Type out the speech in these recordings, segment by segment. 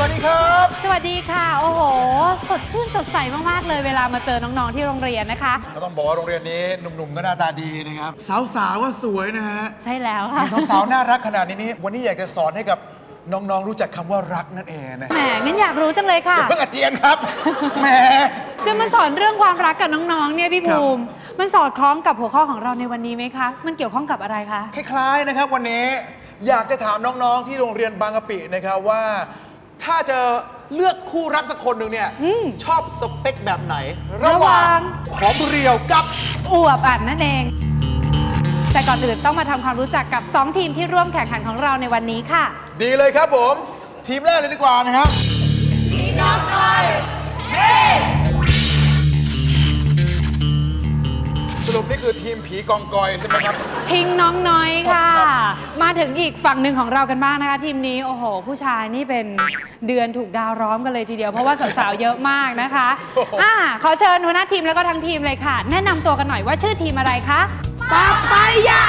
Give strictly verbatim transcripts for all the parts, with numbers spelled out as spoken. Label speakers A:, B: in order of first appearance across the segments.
A: วัสดีครับ
B: สวัสดีค่ะโอ้โหสดชื่นสดใสมากๆเลยเวลามาเจอน้องๆที่โรงเรียนนะคะ
A: ก็ต้องบอกว่าโรงเรียนนี้หนุ่มๆก็หน้าตาดีนะครับสาวๆก็สวยนะฮะ
B: ใช่แล้วค่ะ
A: สาวๆน่ารักขนาดนี้วันนี้อยากจะสอนให้กับน้องๆรู้จักคำว่ารักนั่นเองนะ
B: แหมงั้นอยากรู้จังเลยค่ะ
A: เพิ่งอาเจียนครับแหม
B: จะมาสอนเรื่องความรักกับน้องๆเนี่ยพี่ภูมิมันสอดคล้องกับหัวข้อของเราในวันนี้ไหมคะมันเกี่ยวข้องกับอะไรคะ
A: คล้ายๆนะครับวันนี้อยากจะถามน้องๆที่โรงเรียนบางกะปินะครับว่าถ้าจะเลือกคู่รักสักคนหนึ่งเนี่ยชอบสเปคแบบไหนระหว่างผอมเรียวกับ
B: อวบอันนั่นเองแต่ก่อนอื่นต้องมาทำความรู้จักกับสองทีมที่ร่วมแข่งขันของเราในวันนี้ค่ะ
A: ดีเลยครับผมทีมแรกเลยดีกว่านะครับทีมน้องน้อยเฮ้สรุปนี่คือทีมผีกองกอยใช่ไหมครับ
B: ทิ้งน้องน้อยค่ะมาถึงอีกฝั่งหนึ่งของเรากันบ้างนะคะทีมนี้โอ้โหผู้ชายนี่เป็นเดือนถูกดาวร้อมกันเลยทีเดียวเพราะว่าสาวๆเยอะมากนะคะอ่าขอเชิญหัวหน้าทีมแล้วก็ทั้งทีมเลยค่ะแนะนำตัวกันหน่อยว่าชื่อทีมอะไรคะปาปายา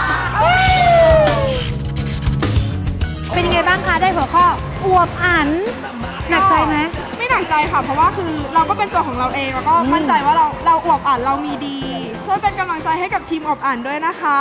B: เป็นยังไงบ้างคะได้หัวข้ออวบอันหนักใจไหม
C: ไม่หนักใจค่ะเพราะว่าคือเราก็เป็นตัวของเราเองแล้วก็มั่นใจว่าเราเราอวบอันเรามีดีช่วยเป็นกำลังใจให้กับทีมอวบอันด้วยนะคะ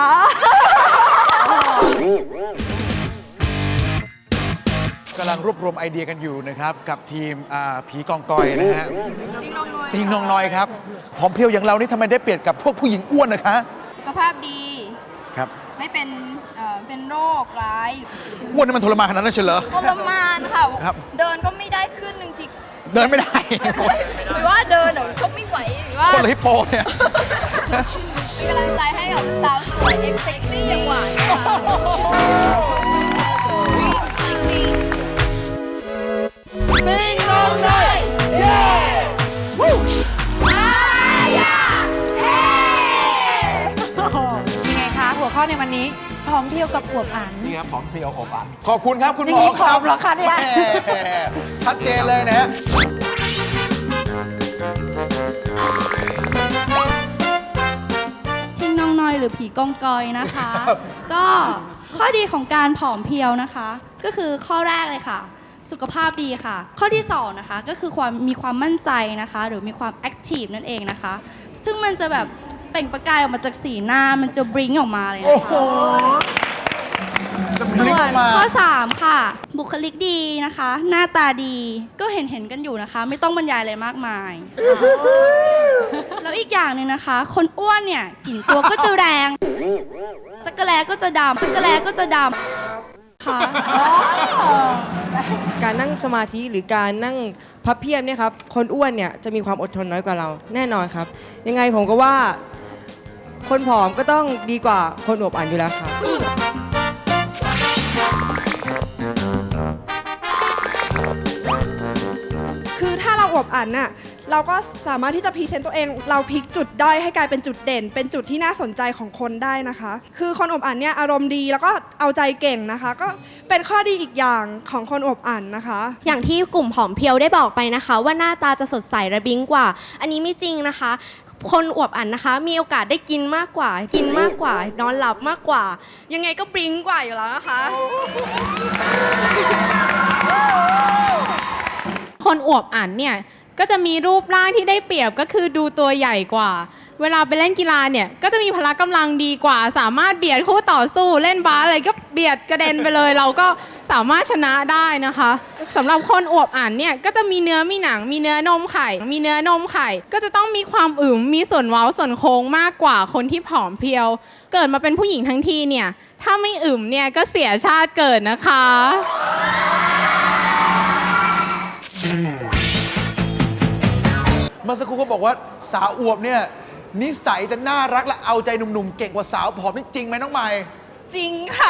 A: กำลังรวบรวมไอเดียกันอยู่นะครับกับทีมผีกองกอยนะฮะ
C: ติงน้องน้อย
A: ติงน้องน้อยครับผอมเพรียวอย่างเรานี่ทำไมได้เปรียบกับพวกผู้หญิงอ้วนนะคะ
C: สุขภาพดี
A: ครับ
C: ไม่เป็นเป็นโรคร้าย
A: อ้วนนี่มันทรมานขนาดนั้นเฉลย
C: ทรมานค่ะเดินก็ไม่ได้ขึ้นหนึ่งที
A: เดินไม่ได้
C: หรือว่าเดินเดี๋ยวเขาไม่ไหวหรือว่า
A: คนละฮิปโปเนี่ย
C: กำลังใจให้กับสาวสวยเอ็กซ์เซ็กซี่อย่างหวาน
A: ติงน้องน้อยเย้วู้
B: ยังไงคะหัวข้อในวันนี้ผอมเพรียวกับอวบอัน
D: นี่ครับผอมเพรียวอบอัน
A: ขอบคุณครับคุณหมอ
B: ครับหรอคะเนี่ย
A: ชัดเจนเลยนะ
C: ทิ้งน้องน้อยหรือผีกองกอยนะคะก็ข้อดีของการผอมเพรียวนะคะก็คือข้อแรกเลยค่ะสุขภาพดีค่ะข้อที่สองนะคะก็คือความมีความมั่นใจนะคะหรือมีความแอคทีฟนั่นเองนะคะซึ่งมันจะแบบเปล่งประกายออกมาจากสีหน้ามันจะบลิงออกมาเลยนะคะส่วนข้อสามค่ะบุคลิกดีนะคะหน้าตาดีก็เห็นเห็นกันอยู่นะคะไม่ต้องบรรยายอะไรมากมายแล้วอีกอย่างหนึ่งนะคะคนอ้วนเนี่ยกลิ่นตัวก็จะแรงจักรแลก็จะดำจักรแลก็จะดำค่ะ
E: การนั่งสมาธิหรือการนั่งพับเพียบเนี่ยครับคนอ้วนเนี่ยจะมีความอดทนน้อยกว่าเราแน่นอนครับยังไงผมก็ว่าคนผอมก็ต้องดีกว่าคนอวบอันอยู่แล้วครับ
C: คือถ้าเราอวบอันน่ะเราก็สามารถที่จะพรีเซนต์ตัวเองเราพลิกจุดด้อยให้กลายเป็นจุดเด่นเป็นจุดที่น่าสนใจของคนได้นะคะคือคนอวบอันเนี่ยอารมณ์ดีแล้วก็เอาใจเก่งนะคะก็เป็นข้อดีอีกอย่างของคนอวบอันนะคะ
F: อย่างที่กลุ่มผอมเพรียวได้บอกไปนะคะว่าหน้าตาจะสดใสระบิงกว่าอันนี้ไม่จริงนะคะคนอวบอันนะคะมีโอกาสได้กินมากกว่ากินมากกว่านอนหลับมากกว่ายังไงก็บลิงกว่าอยู่แล้วนะคะ
G: คนอวบอันเนี่ยก็จะมีรูปร่างที่ได้เปรียบก็คือดูตัวใหญ่กว่าเวลาไปเล่นกีฬาเนี่ยก็จะมีพละกำลังดีกว่าสามารถเบียดคู่ต่อสู้เล่นบาสอะไรก็เบียดกระเด็นไปเลยเราก็สามารถชนะได้นะคะสำหรับคนอวบอันเนี่ยก็จะมีเนื้อมีหนังมีเนื้อนมไข่มีเนื้อนมไข่ก็จะต้องมีความอึมมีส่วนเว้าส่วนโค้งมากกว่าคนที่ผอมเพรียวเกิดมาเป็นผู้หญิงทั้งทีเนี่ยถ้าไม่อึมเนี่ยก็เสียชาติเกิดนะคะ
A: เมื่อสักครู่เขาบอกว่าสาวอวบเนี่ยนิสัยจะน่ารักและเอาใจหนุ่มๆเก่งกว่าสาวผอมนี่จริงไหมน้องใหม่
C: จริงค่ะ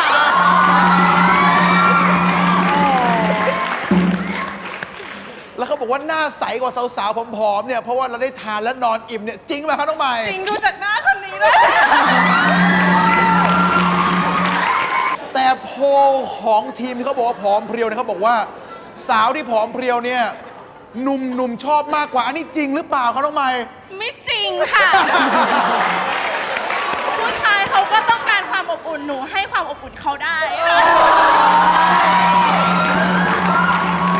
A: แล้วเขาบอกว่าหน้าใสกว่าสาวๆผอมๆเนี่ยเพราะว่าเราได้ทานและนอนอิ่มเนี่ยจริงไหมครับน้องใหม่
C: จริงดูจากหน้าคนนี้เลย
A: แต่โพลของทีมที่เขาบอกว่าผอมเพรียวเนี่ยเขาบอกว่าสาวที่ผอมเพรียวเนี่ยหนุ่มๆชอบมากกว่าอันนี้จริงหรือเปล่าครับน้องใหม่
C: ไม่จริงค่ะผู้ชายเขาก็ต้องการความอบอุ่นหนูให้ความอบอุ่นเขาได้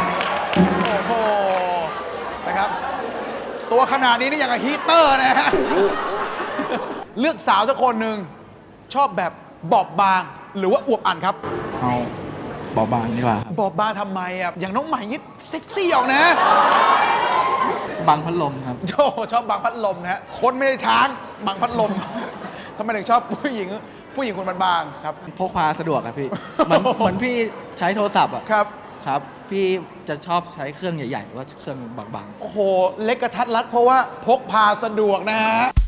A: นาดนี้นี่อย่างกับฮีเตอร์นะฮะ เลือกสาวสักคนหนึ่งชอบแบบบอบบาง หรือว่าอวบอันครับ
D: เอาเบาบางดีกว่าครับ
A: บอบบางทำไมอ่ะอย่างน้องใหม่ยิ่เซ็กซี่ออกนะ
D: บางพัดลมครับ
A: โชชอบบางพัดลมนะฮะคนไม่ใช่ช้างบางพัดลม ทำไมถึงชอบผู้หญิงผู้หญิงคนบางๆครับ
D: พกพาสะดวกครับพี่ เหมือนเหมือนพี่ใช้โทรศัพท์อะ
A: ครับ
D: ครับ พี่จะชอบใช้เครื่องใหญ่ๆหรือว่าเครื่องบางๆ
A: โอ้โห เล็กกระทัดรัดเพราะว่าพกพาสะดวกนะฮะ